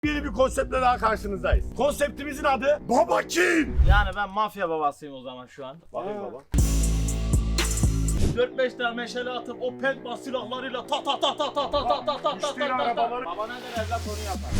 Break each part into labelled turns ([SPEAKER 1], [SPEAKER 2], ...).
[SPEAKER 1] Yeni bir konseptle daha karşınızdayız. Konseptimizin adı Baba Kim?
[SPEAKER 2] Yani ben mafya babasıyım o zaman şu an.
[SPEAKER 1] Bakın baba.
[SPEAKER 2] 4-5 tane meşale atıp o pentball silahlarıyla ta ta ta ta ta ta ta ta ta ta ta
[SPEAKER 1] arabaları-
[SPEAKER 2] Baba ne der evlat onu yapar.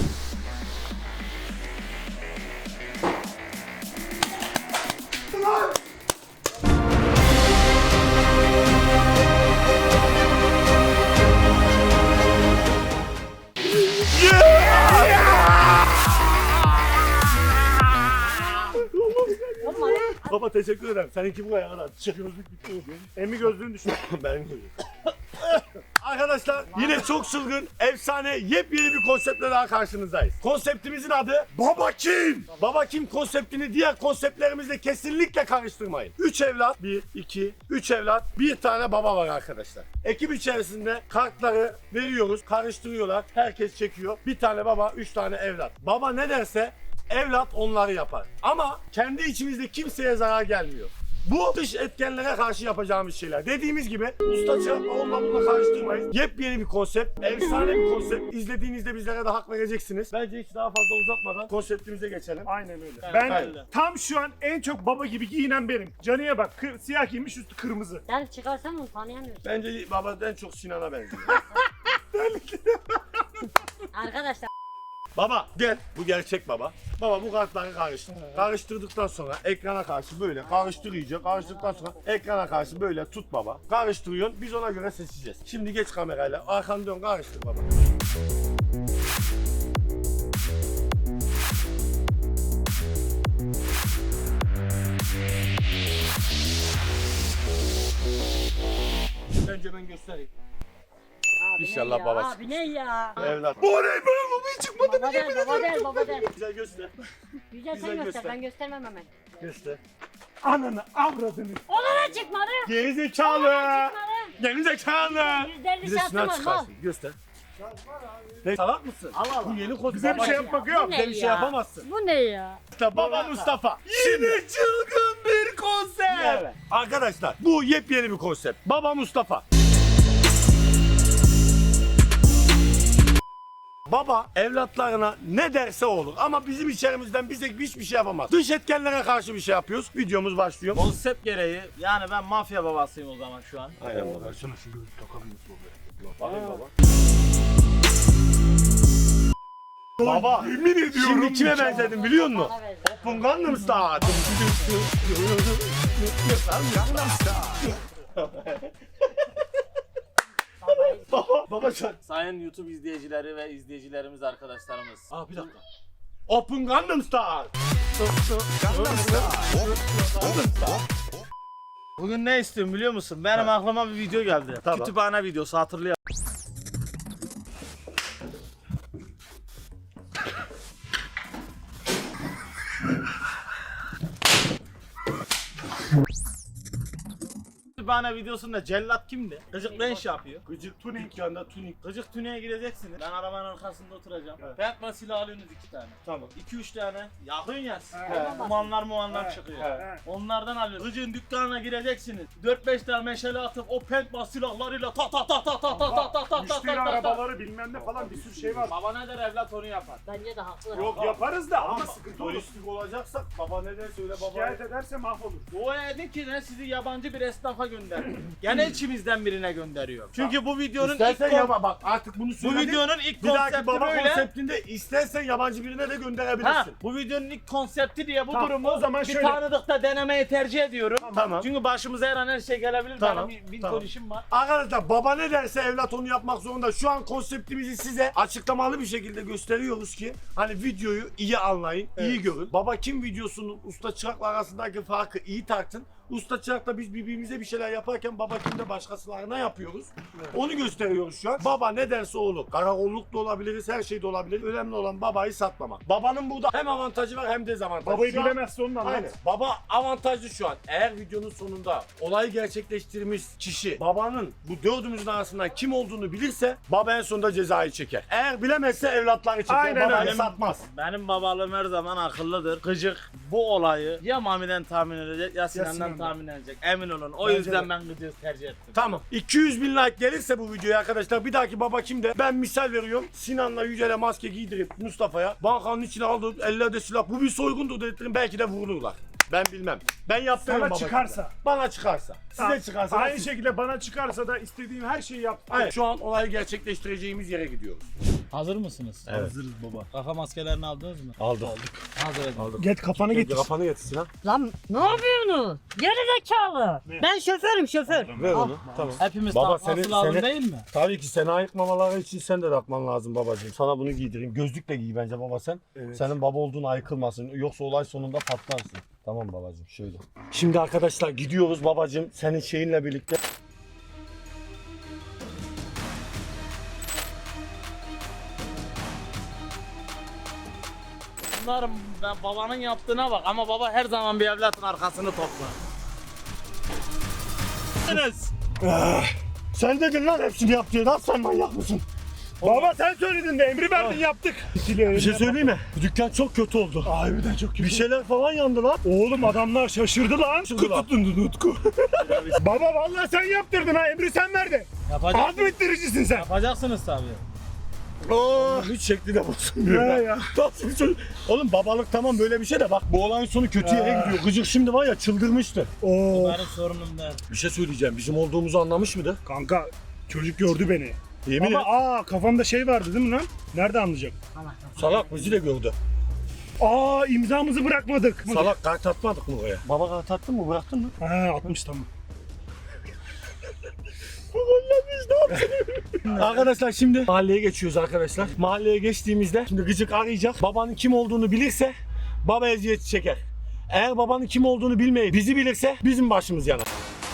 [SPEAKER 1] Baba teşekkür ederim. Seninki bu kadar. Çiçek gözlük bitti. Emmi gözlüğünü düşün. Ben gözlüğüm. Arkadaşlar yine çok çılgın, efsane, yepyeni bir konseptle daha karşınızdayız. Konseptimizin adı Baba Kim? Baba Kim konseptini diğer konseptlerimizle kesinlikle karıştırmayın. 3 evlat, 3 evlat, bir tane baba var arkadaşlar. Ekip içerisinde kartları veriyoruz, karıştırıyorlar, herkes çekiyor. Bir tane baba, 3 tane evlat. Baba ne derse evlat onları yapar. Ama kendi içimizde kimseye zarar gelmiyor. Bu dış etkenlere karşı yapacağımız şeyler. Dediğimiz gibi usta çırakla onunla bununla karıştırmayız. Yepyeni bir konsept, efsane bir konsept. İzlediğinizde bizlere de hak vereceksiniz. Bence hiç daha fazla uzatmadan konseptimize geçelim.
[SPEAKER 3] Aynen öyle.
[SPEAKER 2] Evet,
[SPEAKER 3] Ben
[SPEAKER 2] aynen.
[SPEAKER 3] tam şu an en çok baba gibi giyinen benim. Canıya bak, siyah giymiş, üstü kırmızı.
[SPEAKER 4] Sen çıkarsan onu tanıyamıyorsun.
[SPEAKER 1] Bence baba en çok Sinan'a benziyor.
[SPEAKER 4] Arkadaşlar
[SPEAKER 1] Baba gel, bu gerçek baba. Baba bu kartları karıştır. Karıştırdıktan sonra ekrana karşı böyle karıştır iyice. Karıştırdıktan sonra ekrana karşı böyle tut baba. Karıştırıyorsun, biz ona göre seçeceğiz. Şimdi geç kamerayla, arkanı dön karıştır baba. Önce ben göstereyim.
[SPEAKER 4] abi
[SPEAKER 1] İnşallah
[SPEAKER 4] ne ya?
[SPEAKER 1] babası.
[SPEAKER 4] Abi ne ya?
[SPEAKER 1] Evlat. Bu ne be? Bu hiç çıkmadı.
[SPEAKER 4] Baba der, baba der, baba der.
[SPEAKER 1] Güzel göster.
[SPEAKER 4] Güzel
[SPEAKER 1] Güzel
[SPEAKER 4] sen göster,
[SPEAKER 1] göster.
[SPEAKER 4] ben göstermem hemen.
[SPEAKER 1] Göster.
[SPEAKER 3] Ananı, avradını.
[SPEAKER 4] Ona da çıkmadı.
[SPEAKER 1] Geri zekalı. Geri zekalı.
[SPEAKER 4] Yüzlerini
[SPEAKER 1] Bize
[SPEAKER 4] şansım
[SPEAKER 1] sınav
[SPEAKER 4] var mal.
[SPEAKER 1] çıkarsın. Göster. Ne salak mısın?
[SPEAKER 4] Allah Allah.
[SPEAKER 1] Bu yeni kod.
[SPEAKER 3] Bize bir şey yapmak yok.
[SPEAKER 4] Bu ne
[SPEAKER 1] Bize bir şey
[SPEAKER 4] ya?
[SPEAKER 1] yapamazsın.
[SPEAKER 4] Bu ne ya?
[SPEAKER 1] İşte baba Mustafa. Yine çılgın bir konsept.
[SPEAKER 2] Evet.
[SPEAKER 1] Arkadaşlar bu yepyeni bir konsept. Baba Mustafa. Baba evlatlarına ne derse olur ama bizim içerimizden bize hiçbir şey yapamaz. Dış etkenlere karşı bir şey yapıyoruz. Videomuz başlıyor.
[SPEAKER 2] Konsept gereği yani ben mafya babasıyım o zaman şu an.
[SPEAKER 1] Aynen baba. Şunu şu gözü takabiliyorsun oraya. Bakayım baba. Baba yemin ediyorum. Şimdi kime benzedim biliyor musun?
[SPEAKER 4] Bana ver.
[SPEAKER 1] Open Gangnam Style. Baba sen.
[SPEAKER 2] Sayın YouTube izleyicileri ve izleyicilerimiz arkadaşlarımız.
[SPEAKER 1] Aa bir dakika. Open Gangnam Style.
[SPEAKER 2] Bugün ne istiyorum biliyor musun? Benim aklıma bir video geldi.
[SPEAKER 1] Tamam.
[SPEAKER 2] Kütüphane videosu hatırlayalım. Kütüphane videosunda cellat kimdi? Gıcık ne iş yapıyor?
[SPEAKER 1] Gıcık tuning yanında tuning.
[SPEAKER 2] Gıcık tüneye gideceksiniz. Ben arabanın arkasında oturacağım. Pentman silah alıyorsunuz 2 tane.
[SPEAKER 1] Tamam.
[SPEAKER 2] 2-3 tane yakın yersin.
[SPEAKER 4] He.
[SPEAKER 2] Mumanlar çıkıyor.
[SPEAKER 1] He.
[SPEAKER 2] Onlardan alıyoruz. Gıcığın dükkanına gireceksiniz. 4-5 tane meşale atıp o pentman silahlarıyla ta ta ta ta ta ta ta ta ta
[SPEAKER 3] Müşteri arabaları bilmem ne falan bir sürü şey var.
[SPEAKER 2] Baba ne der evlat onu yapar.
[SPEAKER 4] Bence de haklı.
[SPEAKER 3] Yok yaparız da ama
[SPEAKER 1] Ama
[SPEAKER 3] sıkıntı olur.
[SPEAKER 1] polislik olacaksak baba ne der söyle baba.
[SPEAKER 3] Şikayet ederse mahvolur.
[SPEAKER 2] O dedi ki ne sizi yabancı bir esnafa gönderiyor. Gene içimizden birine gönderiyor. Çünkü bu videonun
[SPEAKER 1] İstersen
[SPEAKER 2] ilk
[SPEAKER 1] yapa bak artık bunu
[SPEAKER 2] bu
[SPEAKER 1] söyledik.
[SPEAKER 2] videonun ilk
[SPEAKER 1] Bir dahaki
[SPEAKER 2] konsepti
[SPEAKER 1] baba
[SPEAKER 2] böyle.
[SPEAKER 1] konseptinde istersen yabancı birine de gönderebilirsin.
[SPEAKER 2] Ha, bu videonun ilk konsepti diye bu
[SPEAKER 3] Tamam,
[SPEAKER 2] durumu
[SPEAKER 3] o zaman
[SPEAKER 2] bir
[SPEAKER 3] şöyle-
[SPEAKER 2] tanıdıkta denemeyi tercih ediyorum.
[SPEAKER 1] Tamam.
[SPEAKER 2] Çünkü başımıza her an her şey gelebilir.
[SPEAKER 1] Tamam,
[SPEAKER 2] Benim bir
[SPEAKER 1] tamam.
[SPEAKER 2] ton işim var.
[SPEAKER 1] Arkadaşlar baba ne derse evlat onu yapmak zorunda. Şu an konseptimizi size açıklamalı bir şekilde gösteriyoruz ki hani videoyu iyi anlayın, iyi görün. Baba kim videosunun usta çırakla arasındaki farkı iyi tartın. Usta çırakla biz birbirimize bir şeyler yaparken baba kimde başkasılarına yapıyoruz. Onu gösteriyoruz şu an. Baba ne derse olur. Karakolluk da olabiliriz, her şey de olabilir. Önemli olan babayı satmamak. Babanın burada hem avantajı var hem dezavantajı.
[SPEAKER 3] Babayı
[SPEAKER 1] Şu an-
[SPEAKER 3] bilemezse onun
[SPEAKER 1] Aynen.
[SPEAKER 3] anlat.
[SPEAKER 1] Baba avantajlı şu an. Eğer videonun sonunda olayı gerçekleştirmiş kişi babanın bu dördümüzün arasından kim olduğunu bilirse baba en sonunda cezayı çeker. Eğer bilemezse evlatları çeker.
[SPEAKER 3] Aynen
[SPEAKER 1] Babayı
[SPEAKER 3] öyle.
[SPEAKER 1] satmaz.
[SPEAKER 2] Benim babalığım her zaman akıllıdır. Gıcık bu olayı ya Mami'den tahmin edecek ya Sinan'dan
[SPEAKER 3] Sinan'dan.
[SPEAKER 2] tahmin edecek. Emin olun. O
[SPEAKER 3] Bence
[SPEAKER 2] yüzden
[SPEAKER 3] de.
[SPEAKER 2] ben Gıcır'ı tercih ettim.
[SPEAKER 1] Tamam. 200 bin like gelirse bu videoya arkadaşlar bir dahaki baba kimde? Ben misal veriyorum. Sinan'la Yücel'e maske giydirip Mustafa'ya bankanın içine alıp ellerde silah bu bir soygundur dedirtirim belki de vururlar. Ben bilmem. Ben yaptım
[SPEAKER 3] Sana
[SPEAKER 1] baba
[SPEAKER 3] çıkarsa.
[SPEAKER 1] kimde. Bana çıkarsa. Size çıkarsa.
[SPEAKER 3] Aynı şekilde bana çıkarsa da istediğim her şeyi yap.
[SPEAKER 1] Hayır, şu an olayı gerçekleştireceğimiz yere gidiyoruz.
[SPEAKER 2] Hazır mısınız?
[SPEAKER 1] Evet.
[SPEAKER 2] Hazırız baba. Kafa maskelerini aldınız mı?
[SPEAKER 1] Aldık.
[SPEAKER 2] Hazır edin.
[SPEAKER 3] Get kafanı getir.
[SPEAKER 1] Kafanı getir Sinan.
[SPEAKER 4] Lan ne yapıyorsunuz? Geri zekalı. Ben şoförüm şoför.
[SPEAKER 1] Ver
[SPEAKER 4] Al.
[SPEAKER 1] onu. Tamam.
[SPEAKER 2] Hepimiz
[SPEAKER 1] Baba,
[SPEAKER 2] takması
[SPEAKER 1] seni-
[SPEAKER 2] lazım
[SPEAKER 1] seni-
[SPEAKER 2] değil mi?
[SPEAKER 1] Tabii ki seni ayıkmamaları için sen de takman lazım babacığım. Sana bunu giydireyim. Gözlükle giy bence baba sen.
[SPEAKER 3] Evet.
[SPEAKER 1] Senin baba olduğun ayıkılmasın. Yoksa olay sonunda patlarsın. Tamam babacığım şöyle. Şimdi arkadaşlar gidiyoruz babacığım senin şeyinle birlikte.
[SPEAKER 2] Bunların ben babanın yaptığına bak ama baba her zaman bir evlatın arkasını toplar. Enes.
[SPEAKER 1] Sen dedin lan hepsini yap diye. Lan sen manyak mısın?
[SPEAKER 3] Baba sen söyledin de emri verdin yaptık.
[SPEAKER 1] Bir şey söyleyeyim mi? Bu dükkan çok kötü oldu.
[SPEAKER 3] Harbiden çok kötü.
[SPEAKER 1] Bir şeyler falan yandı lan.
[SPEAKER 3] Oğlum adamlar şaşırdı lan.
[SPEAKER 1] Şaşırdılar.
[SPEAKER 3] Tutundun Utku. Baba vallahi sen yaptırdın ha, emri sen verdin.
[SPEAKER 2] Yapacak,
[SPEAKER 3] Azmettiricisin sen.
[SPEAKER 2] yapacaksınız tabii.
[SPEAKER 1] Hiç şekli de bozulmuyor.
[SPEAKER 3] Ya ya.
[SPEAKER 1] Nasıl bir çocuk? Oğlum babalık tamam böyle bir şey de bak bu olayın sonu kötü yere gidiyor. Gıcık şimdi var ya çıldırmıştı.
[SPEAKER 3] Oo.
[SPEAKER 2] Benim sorunum değil.
[SPEAKER 1] Bir şey söyleyeceğim. Bizim olduğumuzu anlamış mıydı?
[SPEAKER 3] Kanka çocuk gördü beni.
[SPEAKER 1] Yemin
[SPEAKER 3] Ama kafamda şey vardı değil mi lan? Nerede anlayacak?
[SPEAKER 1] Salak bizi de gördü.
[SPEAKER 3] İmzamızı bırakmadık.
[SPEAKER 1] Salak kart atmadık mı oraya? Baba kart attın mı? Bıraktın mı?
[SPEAKER 3] Ha 60 tamam.
[SPEAKER 1] Arkadaşlar şimdi mahalleye geçiyoruz arkadaşlar. Mahalleye geçtiğimizde şimdi Gıcık arayacak. Babanın kim olduğunu bilirse baba eziyet çeker. Eğer babanın kim olduğunu bilmeyip bizi bilirse bizim başımız yanar.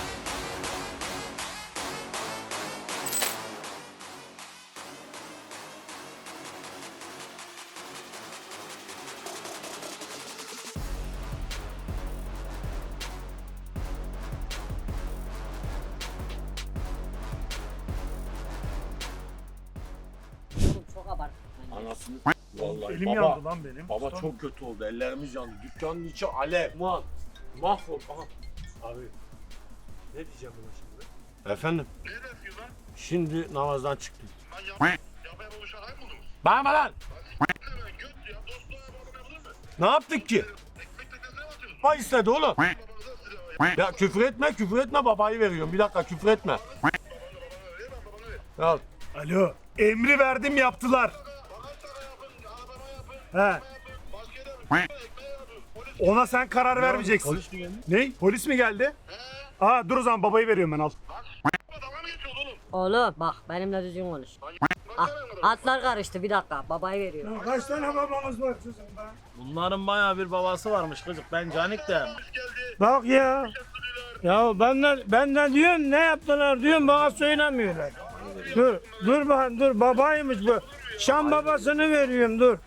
[SPEAKER 4] Oğlum çok abarttın.
[SPEAKER 1] Anasını vallahi
[SPEAKER 3] Elim
[SPEAKER 1] baba,
[SPEAKER 3] yandı lan benim.
[SPEAKER 1] baba çok kötü oldu. Ellerimiz yandı. Dükkanın içi alev. Man. Mahvol. Aha. Abi. Ne diyeceğim buna şimdi? Efendim?
[SPEAKER 5] Ne yapıyorsun lan?
[SPEAKER 1] Şimdi namazdan çıktım.
[SPEAKER 5] Lan yapmaya bu şakayı mı buldunuz?
[SPEAKER 1] Bağırma lan.
[SPEAKER 5] Hemen göt ya dostluğa babam yapılır mı?
[SPEAKER 1] Ne yaptık ki?
[SPEAKER 5] Ekmek teknesine mi atıyorsun?
[SPEAKER 1] Baba istedi oğlum.
[SPEAKER 5] Babanıza silah ver.
[SPEAKER 1] Ya küfür etme babayı veriyorum. Bir dakika küfür etme.
[SPEAKER 5] Babana ver lan babana ver.
[SPEAKER 1] Al.
[SPEAKER 3] Alo. Emri verdim yaptılar.
[SPEAKER 5] Bana sana yapın, arabama yapın,
[SPEAKER 3] He.
[SPEAKER 5] yapın, maskede yapın, ekmeğe yapın. Polis
[SPEAKER 3] Ona sen karar vermeyeceksin.
[SPEAKER 1] Polis mi geldi?
[SPEAKER 3] Ne? Polis mi geldi? Dur o zaman babayı veriyorum ben al.
[SPEAKER 5] dalga mı geçiyorsun oğlum?
[SPEAKER 4] Oğlum bak benimle düzgün konuş. Ah, atlar karıştı bir dakika babayı veriyor.
[SPEAKER 3] Kaç tane babamız var sizin be?
[SPEAKER 2] Bunların bayağı bir babası varmış Gıcık. Ben Canik de.
[SPEAKER 5] Polis geldi.
[SPEAKER 6] Bak ya. Ya benden diyorsun ne yaptılar diyorsun bana söylemiyorlar. Dur bakayım dur babaymış bu. Şam babasını veriyorum dur.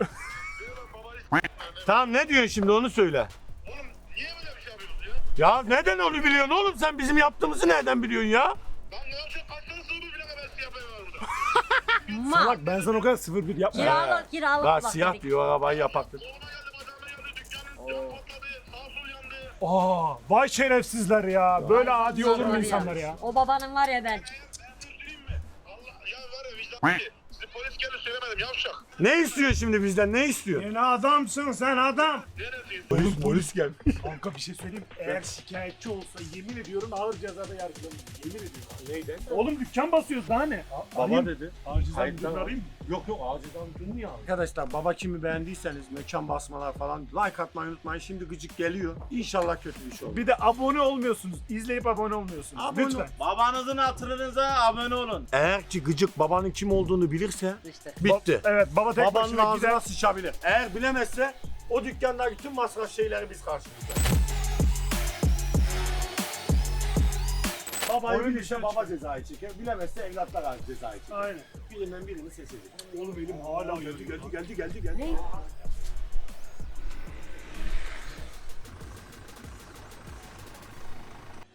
[SPEAKER 1] Tamam ne diyorsun şimdi onu söyle.
[SPEAKER 5] Oğlum niye böyle bir şey yapıyorsunuz ya?
[SPEAKER 1] Ya neden onu biliyorsun oğlum sen bizim yaptığımızı nereden biliyorsun ya?
[SPEAKER 5] Lan ne yapacaksın? Kaç tane sığır bile kadar silah yapıyorlar burada.
[SPEAKER 4] Ma
[SPEAKER 3] Bak ben sana o kadar 01 yapma.
[SPEAKER 4] kiralık
[SPEAKER 1] Daha
[SPEAKER 4] bak
[SPEAKER 1] siyah
[SPEAKER 4] dedik.
[SPEAKER 1] diyor arabayı yapaktık.
[SPEAKER 5] Koluma geldi, bacağıma geldi, dükkanın camı patladı, sağ sol yandı.
[SPEAKER 3] Vay şerefsizler ya. Böyle adi olur mu
[SPEAKER 4] Var
[SPEAKER 3] insanlar ya?
[SPEAKER 4] O babanın var ya ben.
[SPEAKER 5] Ben göstereyim mi? Allah ya var ya vicdan ki. Size polis geldi söylemedim yavşak.
[SPEAKER 1] Ne istiyor şimdi bizden ne istiyor?
[SPEAKER 3] Sen adamsın sen adam.
[SPEAKER 5] Neredesin?
[SPEAKER 1] Polis gelmiş.
[SPEAKER 3] Kanka bir şey söyleyeyim. Eğer şikayetçi olsa yemin ediyorum ağır cezada yargılanır. Yemin ediyorum.
[SPEAKER 1] Neyden?
[SPEAKER 3] Oğlum dükkan basıyoruz daha ne?
[SPEAKER 1] Baba dedi.
[SPEAKER 3] Acizden
[SPEAKER 1] Kayıttan
[SPEAKER 3] müdürünü arayayım mı?
[SPEAKER 1] Yok acıdan durmuyor. Arkadaşlar baba kimi beğendiyseniz mekan basmalar falan like atmayı unutmayın. Şimdi Gıcık geliyor. İnşallah kötü bir şey olur.
[SPEAKER 3] Bir de abone olmuyorsunuz. İzleyip abone olmuyorsunuz.
[SPEAKER 1] Abone
[SPEAKER 3] Lütfen.
[SPEAKER 2] Babanızın hatırınıza abone olun.
[SPEAKER 1] Eğer ki Gıcık babanın kim olduğunu bilirse
[SPEAKER 4] İşte.
[SPEAKER 1] bitti.
[SPEAKER 3] Evet baba tek
[SPEAKER 1] Babanın
[SPEAKER 3] başına gider.
[SPEAKER 1] ağzına sıçabilir. Eğer bilemezse o dükkandaki bütün masraf şeyleri biz karşılayacağız. Babayı
[SPEAKER 3] Oyun
[SPEAKER 1] bilirse
[SPEAKER 3] dışarı
[SPEAKER 1] baba cezayı çeker, bilemezse evlatlar cezayı çeker.
[SPEAKER 3] Aynen.
[SPEAKER 1] Birinden birini seçecek.
[SPEAKER 3] Oğlum elim hala geldi.
[SPEAKER 4] Ne?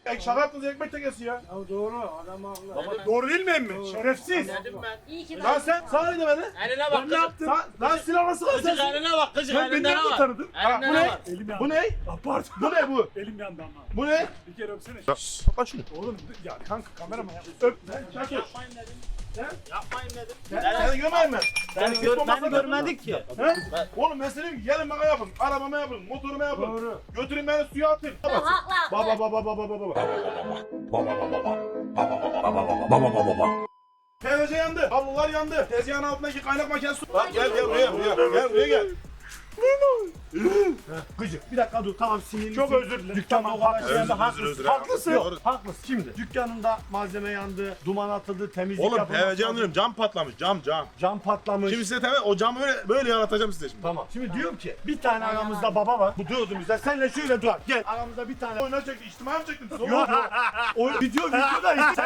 [SPEAKER 7] Şaka yaptınız ekmek tekesi ya.
[SPEAKER 6] Ya doğru adam haklı.
[SPEAKER 3] Doğru değil mi emmi? Şerefsiz.
[SPEAKER 2] Dedim ben.
[SPEAKER 4] İyi ki
[SPEAKER 7] Lan sen sana ne demedin?
[SPEAKER 2] Eline bak kızım.
[SPEAKER 7] Lan silah nasıl
[SPEAKER 2] Kızık
[SPEAKER 7] alacaksın?
[SPEAKER 2] eline bak kızık
[SPEAKER 3] Sen beni
[SPEAKER 2] elinde ne
[SPEAKER 3] nereden
[SPEAKER 2] var?
[SPEAKER 3] tanıdın?
[SPEAKER 2] Elinde
[SPEAKER 7] bu
[SPEAKER 2] ne
[SPEAKER 7] ne?
[SPEAKER 2] var?
[SPEAKER 3] Elim yandı.
[SPEAKER 7] Bu ne?
[SPEAKER 3] Ah, pardon.
[SPEAKER 7] Bu ne bu?
[SPEAKER 3] Elim yandı ama.
[SPEAKER 7] Bu ne?
[SPEAKER 3] Bir kere öpsene.
[SPEAKER 7] Kapat şunu.
[SPEAKER 3] Oğlum ya kanka kameraman ya. Öp.
[SPEAKER 7] Çakır.
[SPEAKER 2] Yapmayın dedim. Yapmayın dedim.
[SPEAKER 7] Seni görmeyeyim ben.
[SPEAKER 2] Beni görmedik ki.
[SPEAKER 7] Oğlum ben sana diyorum ki gelin bana yapın. Arabama yapın. Motoruma yapın.
[SPEAKER 3] Doğru.
[SPEAKER 7] Götürün beni suya atın.
[SPEAKER 4] Haklı.
[SPEAKER 7] Baba baba baba baba baba. TVC yandı. Kablolar yandı. Tezgahın altındaki kaynak makinesi su. Bak gel buraya. Gel buraya gel.
[SPEAKER 1] Gıcık. Bir dakika dur tamam sinirli.
[SPEAKER 3] Çok özür dilerim.
[SPEAKER 1] Dükkanda o kadar şey yandı.
[SPEAKER 7] Özür,
[SPEAKER 1] Haklısın.
[SPEAKER 7] özür,
[SPEAKER 1] Haklısın.
[SPEAKER 7] özür.
[SPEAKER 1] Yok, haklısın. Şimdi dükkanında malzeme yandı, duman atıldı, temizlik
[SPEAKER 7] Oğlum
[SPEAKER 1] yapıldı.
[SPEAKER 7] TVC yanıyorum. Cam patlamış. Cam.
[SPEAKER 1] Cam patlamış.
[SPEAKER 7] Şimdi size o camı böyle yaratacağım size şimdi.
[SPEAKER 1] Tamam. Şimdi diyorum ki bir tane aramızda baba var. Bu dördümüzde. Senle şöyle dur. Gel. Aramızda bir tane.
[SPEAKER 7] Oyuna çekti. İçtimai mi çektin?
[SPEAKER 1] Yok. O videoda işte.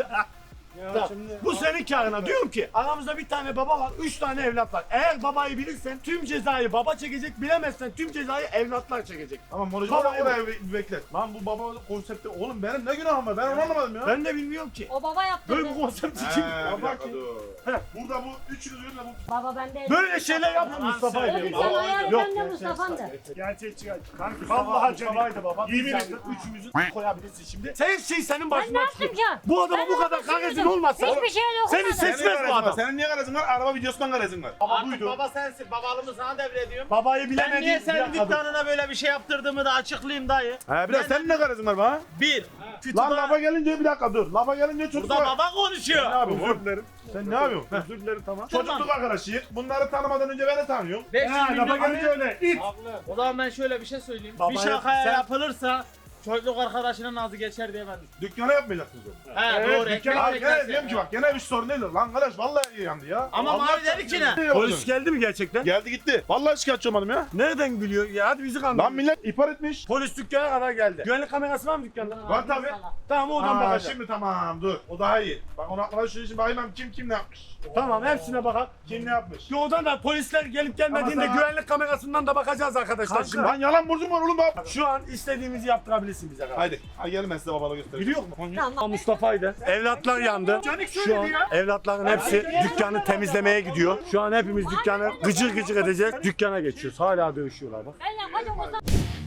[SPEAKER 6] Ya
[SPEAKER 1] Tamam.
[SPEAKER 6] şimdi
[SPEAKER 1] Bu senin karına. Diyorum ki aramızda bir tane baba var, 3 tane evlat var. Eğer babayı bilirsen tüm cezayı baba çekecek, bilemezsen tüm cezayı evlatlar çekecek.
[SPEAKER 7] Tamam Morucu
[SPEAKER 1] Baba,
[SPEAKER 7] baba oraya bir beklet. Lan bu baba konsepti. Oğlum benim ne günahım var? Ben onu anlamadım ya.
[SPEAKER 1] Ben de bilmiyorum ki.
[SPEAKER 4] O baba yaptı.
[SPEAKER 1] Böyle bir konsept için.
[SPEAKER 7] Bir dakika dur. Burada bu üçünüz ürünle bu.
[SPEAKER 4] Baba bende.
[SPEAKER 1] Böyle şeyler yapma Mustafa
[SPEAKER 4] Öbür
[SPEAKER 1] ile.
[SPEAKER 4] sen ayarı
[SPEAKER 1] Yok,
[SPEAKER 4] bende Mustafa'ndı.
[SPEAKER 3] Gerçekçi kanka.
[SPEAKER 1] Vallahi
[SPEAKER 3] Vallahi
[SPEAKER 1] Mustafa'ydı
[SPEAKER 3] canım.
[SPEAKER 1] baba.
[SPEAKER 3] Yemin
[SPEAKER 1] Sen
[SPEAKER 3] ederim.
[SPEAKER 1] üçümüzü koyabilirsin şimdi. Her şey senin
[SPEAKER 4] Ben ne
[SPEAKER 1] başına
[SPEAKER 4] yaptım
[SPEAKER 1] çıkıyor.
[SPEAKER 4] ki?
[SPEAKER 1] Bu adama
[SPEAKER 4] Ben
[SPEAKER 1] bu kadar
[SPEAKER 4] yapmasın
[SPEAKER 1] garezin
[SPEAKER 4] dedim.
[SPEAKER 1] olmazsa
[SPEAKER 4] Hiçbir şey
[SPEAKER 1] seni
[SPEAKER 4] dokunmadım.
[SPEAKER 1] seçmez bu adam.
[SPEAKER 7] Senin niye garezin var? Araba videosundan garezin var.
[SPEAKER 1] Baba
[SPEAKER 2] Artık
[SPEAKER 1] buydu.
[SPEAKER 2] baba sensin. Babalığımı sana devrediyorum.
[SPEAKER 1] Babayı
[SPEAKER 2] Ben
[SPEAKER 1] bilemediğin
[SPEAKER 2] niye
[SPEAKER 1] bir
[SPEAKER 2] senin
[SPEAKER 1] dakika dur.
[SPEAKER 2] dükkanına böyle bir şey yaptırdığımı da açıklayayım dayı.
[SPEAKER 7] He biraz senin ne garezin var bana?
[SPEAKER 2] Bir.
[SPEAKER 7] Lan
[SPEAKER 2] Kütüphane.
[SPEAKER 7] lafa gelince bir dakika dur. Lafa gelince çok
[SPEAKER 2] Burada baba konuşuyor.
[SPEAKER 7] Ne yapıyorsun?
[SPEAKER 3] Özür dilerim.
[SPEAKER 7] Sen ne yapıyorsun? Heh.
[SPEAKER 3] Özür dilerim tamam.
[SPEAKER 7] Çocukluk arkadaşıyız. Bunları tanımadan önce beni tanıyorum.
[SPEAKER 2] 500
[SPEAKER 3] Ha, lafa
[SPEAKER 2] milyon.
[SPEAKER 3] gelince öyle. İt.
[SPEAKER 2] O zaman ben şöyle bir şey söyleyeyim.
[SPEAKER 1] Baba
[SPEAKER 2] bir şakaya
[SPEAKER 1] sen-
[SPEAKER 2] yapılırsa çocukluk arkadaşının nazı geçer diye ben düşünüyorum.
[SPEAKER 7] Dükkana yapmayacaksınız onu.
[SPEAKER 2] He
[SPEAKER 3] Evet,
[SPEAKER 2] doğru.
[SPEAKER 3] dükkan-
[SPEAKER 2] Ekmek
[SPEAKER 7] Abi gene
[SPEAKER 2] teknesi.
[SPEAKER 7] diyorum ki bak gene bir sorun değil. Lan kardeş vallahi iyi yandı ya.
[SPEAKER 2] Ama
[SPEAKER 7] Allah
[SPEAKER 2] mavi dedi ki ne?
[SPEAKER 1] Polis geldi mi gerçekten?
[SPEAKER 7] Geldi gitti. Vallahi şikayetçi olmadım ya.
[SPEAKER 1] Nereden gülüyor? Ya hadi bizi kandırın.
[SPEAKER 7] Lan millet ihbar etmiş.
[SPEAKER 1] Polis dükkana kadar geldi. Güvenlik kamerası var mı dükkanda?
[SPEAKER 7] Var tabi.
[SPEAKER 1] Tamam oradan
[SPEAKER 7] Aa,
[SPEAKER 1] bakacağım.
[SPEAKER 7] şimdi tamam dur. O daha iyi. Bak onu aklına şu için bakayım kim ne yapmış.
[SPEAKER 1] Tamam hepsine bakalım.
[SPEAKER 7] Kim ne yapmış.
[SPEAKER 1] Oradan da polisler gelip gelmediğinde
[SPEAKER 7] Ama sana-
[SPEAKER 1] güvenlik kamerasından da bakacağız arkadaşlar.
[SPEAKER 7] Kanka.
[SPEAKER 1] Şimdi
[SPEAKER 7] Lan yalan burcum var oğlum bak.
[SPEAKER 1] şu an istediğimizi yaptırabilirsin bize kadar.
[SPEAKER 7] Haydi. Hadi gelin ben size babalığı göstereyim.
[SPEAKER 1] Biliyor musun?
[SPEAKER 4] Tamam.
[SPEAKER 1] Mustafa'ydı. Evlatlar yandı.
[SPEAKER 3] Canik
[SPEAKER 1] Şu an
[SPEAKER 3] söyledi ya.
[SPEAKER 1] evlatların hepsi dükkanı temizlemeye gidiyor. Şu an hepimiz dükkanı gıcır gıcır edeceğiz. Dükkana geçiyoruz. Hala dövüşüyorlar bak.
[SPEAKER 4] Ben yapacağım o zaman.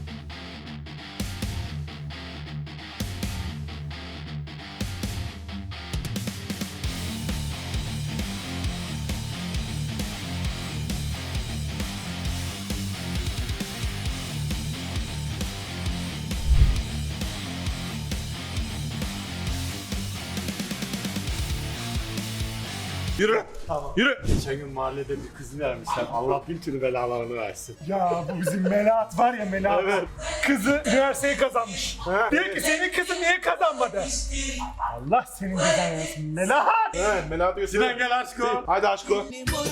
[SPEAKER 7] Yürü.
[SPEAKER 1] Tamam.
[SPEAKER 7] Yürü.
[SPEAKER 1] Geçen gün mahallede bir kız vermişler. Allah bin türlü belalarını versin.
[SPEAKER 3] Ya bu bizim Melahat var ya Melahat.
[SPEAKER 1] Evet.
[SPEAKER 3] Kızı üniversiteyi kazanmış. Diyor ki senin kızın niye kazanmadı? Allah senin cezanı versin. Melahat.
[SPEAKER 7] Evet Melahat göster.
[SPEAKER 1] Sinan gel aşkım.
[SPEAKER 7] Hadi aşko.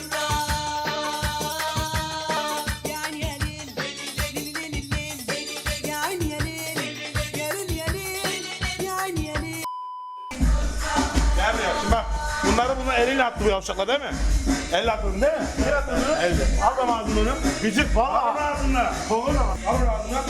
[SPEAKER 7] Gel buraya. Şimdi bak. Bunları eliyle attı bu yavşaklar değil mi? Elle attı değil mi? Elle attı bunu. Elle. Al da ağzını onu.
[SPEAKER 1] Gıcık valla.
[SPEAKER 7] Al ağzına. Kovun ama. Al ağzına.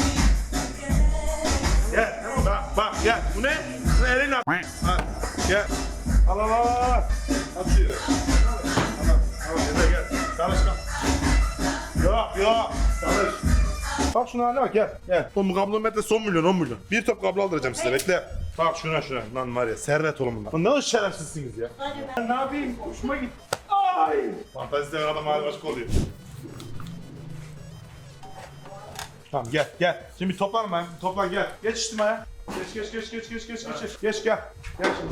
[SPEAKER 7] Gel. Bak gel. Bu ne? Bu eliyle at. Al. Gel. Al. At şuraya. Tamam. Gel. Çalış kal. Yok. Çalış. Bak şuna haline bak gel. Oğlum bu kablonun metresi 10 milyon 10 milyon. Bir top kablo aldıracağım size bekle. Bak şuna. Lan var ya servet oğlum bunlar. Lan ne o şerefsizsiniz ya.
[SPEAKER 3] Ben ne yapayım? Hoşuma gitti.
[SPEAKER 7] Fantezi seven adam hali başka oluyor. Tamam gel. Şimdi bir toplan ben. Toplan gel. Geç içtimaya. Geç. Geç gel. Gel şimdi.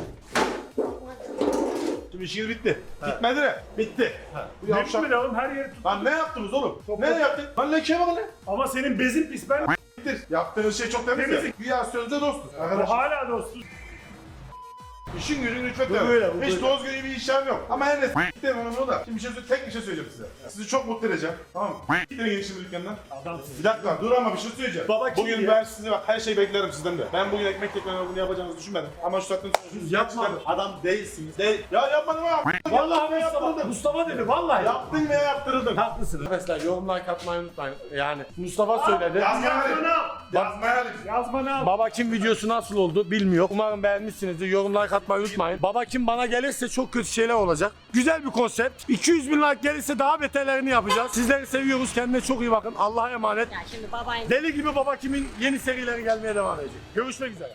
[SPEAKER 7] Şimdi işiniz bitti. Bitmedi de. Bitti. Bu
[SPEAKER 3] Ne
[SPEAKER 7] yavşak.
[SPEAKER 3] biçim oğlum her yeri tut.
[SPEAKER 7] Lan ne yaptınız oğlum? Ne yaptık? Lan lekeye bakın lan.
[SPEAKER 3] Ama senin bezin pis ben
[SPEAKER 7] Bittir. Yaptığınız şey çok temiz ya.
[SPEAKER 3] Temizlik.
[SPEAKER 7] Güya sözde dostuz.
[SPEAKER 3] o
[SPEAKER 7] Arkadaşlar.
[SPEAKER 3] hala dostuz.
[SPEAKER 7] İşin gücün rüşvet
[SPEAKER 1] Bu
[SPEAKER 7] yok.
[SPEAKER 1] böyle, bu
[SPEAKER 7] Hiç
[SPEAKER 1] böyle.
[SPEAKER 7] doğru gibi bir işlem yok. Ama her neyse s**tim onu da. Şimdi tek bir şey söyleyeceğim size. Sizi çok mutlu edeceğim. Tamam mı? Gidin gidin şimdi dükkandan. Bir dakika dur ama bir şey söyleyeceğim.
[SPEAKER 1] Baba kim
[SPEAKER 7] bugün
[SPEAKER 1] ya?
[SPEAKER 7] ben size bak her şeyi beklerim sizden de. Ben bugün ekmek tekrar bunu yapacağınızı düşünmedim. Ama şu saatten sonra
[SPEAKER 1] Yapmadım. Adam değilsiniz. Değil.
[SPEAKER 7] Ya yapmadım ama.
[SPEAKER 1] Vallahi Mustafa dedi vallahi.
[SPEAKER 7] Yaptın veya yaptırırdın.
[SPEAKER 1] Haklısın. Arkadaşlar yorumlar katmayı unutmayın. Yani Mustafa söyledi.
[SPEAKER 7] Yazma ne?
[SPEAKER 1] Baba Kim videosu nasıl oldu bilmiyor. Umarım beğenmişsinizdir. Yorumlar katmayı unutmayın. Baba Kim bana gelirse çok kötü şeyler olacak. Güzel bir konsept. 200 bin like gelirse daha beterlerini yapacağız. Sizleri seviyoruz. Kendine çok iyi bakın. Allah'a emanet.
[SPEAKER 4] Ya şimdi babayın
[SPEAKER 1] Deli gibi Baba Kim'in yeni serileri gelmeye devam edecek. Görüşmek üzere.